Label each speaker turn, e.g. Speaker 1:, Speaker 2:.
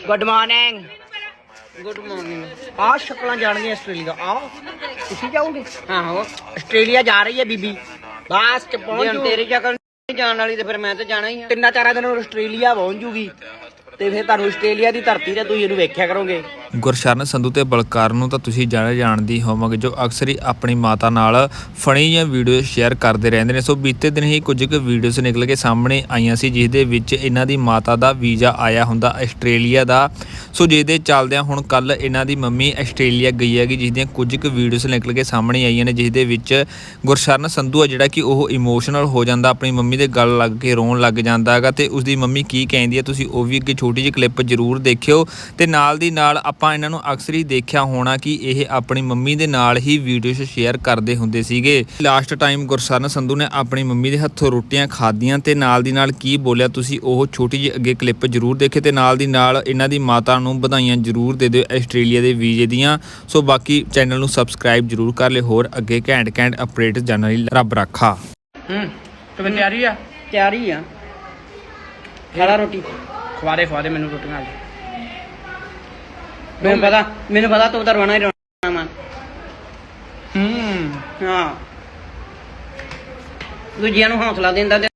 Speaker 1: Good morning.
Speaker 2: Good morning.
Speaker 1: आ शक्ल जानिए ऑस्ट्रेलिया। आओ तुसी जाओगे?
Speaker 2: हाँ हो
Speaker 1: ऑस्ट्रेलिया जा रही है बीबी बस च पहुंच जू।
Speaker 2: तेरी शक्ल नहीं जान वाली तो फिर मैं तो जाना ही।
Speaker 1: 3-4 दिन ਆਸਟ੍ਰੇਲੀਆ ਪਹੁੰਚ ਜੂਗੀ ਤੇ ਫਿਰ ਤੁਹਾਨੂੰ ਆਸਟ੍ਰੇਲੀਆ ਦੀ ਧਰਤੀ ਤੇ ਤੁਸੀਂ ਇਹਨੂੰ ਵੇਖਿਆ ਕਰੋਗੇ।
Speaker 3: ਗੁਰਸ਼ਰਨ ਸੰਧੂ ਤੇ ਬਲਕਾਰ ਨੂੰ ਤਾਂ ਤੁਸੀਂ ਜਾਣਦੇ ਹੀ ਹੋਵੋਗੇ, ਜੋ ਅਕਸਰ ਹੀ ਆਪਣੀ ਮਾਤਾ ਨਾਲ ਫਨੀ ਜਾਂ ਵੀਡੀਓ ਸ਼ੇਅਰ ਕਰਦੇ ਰਹਿੰਦੇ ਨੇ। ਸੋ ਬੀਤੇ ਦਿਨ ਹੀ ਕੁਝ ਕੁ ਵੀਡੀਓਜ਼ ਨਿਕਲ ਕੇ ਸਾਹਮਣੇ ਆਈਆਂ ਸੀ, ਜਿਸ ਦੇ ਵਿੱਚ ਇਹਨਾਂ ਦੀ ਮਾਤਾ ਦਾ ਵੀਜ਼ਾ ਆਇਆ ਹੁੰਦਾ ਆਸਟ੍ਰੇਲੀਆ ਦਾ। ਸੋ ਜਿਹਦੇ ਚੱਲਦਿਆਂ ਹੁਣ ਕੱਲ ਇਹਨਾਂ ਦੀ ਮੰਮੀ ਆਸਟ੍ਰੇਲੀਆ ਗਈ ਹੈਗੀ, ਜਿਸ ਦੀਆਂ ਕੁਝ ਕੁ ਵੀਡੀਓਜ਼ ਨਿਕਲ ਕੇ ਸਾਹਮਣੇ ਆਈਆਂ ਨੇ, ਜਿਸ ਦੇ ਵਿੱਚ ਗੁਰਸ਼ਰਨ ਸੰਧੂ ਆ ਜਿਹੜਾ ਕਿ ਉਹ ਇਮੋਸ਼ਨਲ ਹੋ ਜਾਂਦਾ, ਆਪਣੀ ਮੰਮੀ ਦੇ ਗਲ ਲੱਗ ਕੇ ਰੋਣ ਲੱਗ ਜਾਂਦਾ ਹੈਗਾ। ਤੇ ਉਸਦੀ ਮੰਮੀ ਕੀ ਕਹਿੰਦੀ ਹੈ ਤੁਸੀਂ ਉਹ ਵੀ ਅੱਗੇ ਛੋਟੀ ਜਿਹੀ ਕਲਿੱਪ ਜ਼ਰੂਰ ਦੇਖਿਓ। ਤੇ ਨਾਲ ਦੀ ਨਾਲ ਆਪਾਂ ਇਹਨਾਂ ਨੂੰ ਅਕਸਰ ਹੀ ਦੇਖਿਆ ਹੋਣਾ ਕਿ ਇਹ ਆਪਣੀ ਮੰਮੀ ਦੇ ਨਾਲ ਹੀ ਵੀਡੀਓਜ਼ ਸ਼ੇਅਰ ਕਰਦੇ ਹੁੰਦੇ ਸੀਗੇ। ਲਾਸਟ ਟਾਈਮ ਗੁਰਸ਼ਰਨ ਸੰਧੂ ਨੇ ਆਪਣੀ ਮੰਮੀ ਦੇ ਹੱਥੋਂ ਰੋਟੀਆਂ ਖਾਧੀਆਂ ਤੇ ਨਾਲ ਦੀ ਨਾਲ ਕੀ ਬੋਲਿਆ ਤੁਸੀਂ ਉਹ ਛੋਟੀ ਜਿਹੀ ਅੱਗੇ ਕਲਿੱਪ ਜ਼ਰੂਰ ਦੇਖੇ। ਤੇ ਨਾਲ ਦੀ ਨਾਲ ਇਹਨਾਂ ਦੀ ਮਾਤਾ ਨੂੰ ਵਧਾਈਆਂ ਜ਼ਰੂਰ ਦੇ ਦਿਓ ਆਸਟ੍ਰੇਲੀਆ ਦੇ ਵੀਜ਼ੇ ਦੀਆਂ। ਸੋ ਬਾਕੀ ਚੈਨਲ ਨੂੰ ਸਬਸਕ੍ਰਾਈਬ ਜ਼ਰੂਰ ਕਰ ਲਿਓ, ਹੋਰ ਅੱਗੇ ਘੈਂਟ ਅਪਡੇਟ ਜਾਣਨ ਲਈ ਰੱਬ ਰੱਖਾ।
Speaker 1: तो मैं तैयारी है
Speaker 2: तैयारी आ खाला रोटी
Speaker 1: खवा दे मैनू रोटियां।
Speaker 2: मैनू पता तू तो रोना ही रोना मैं। हाँ दूजिया हौसला देंदा ते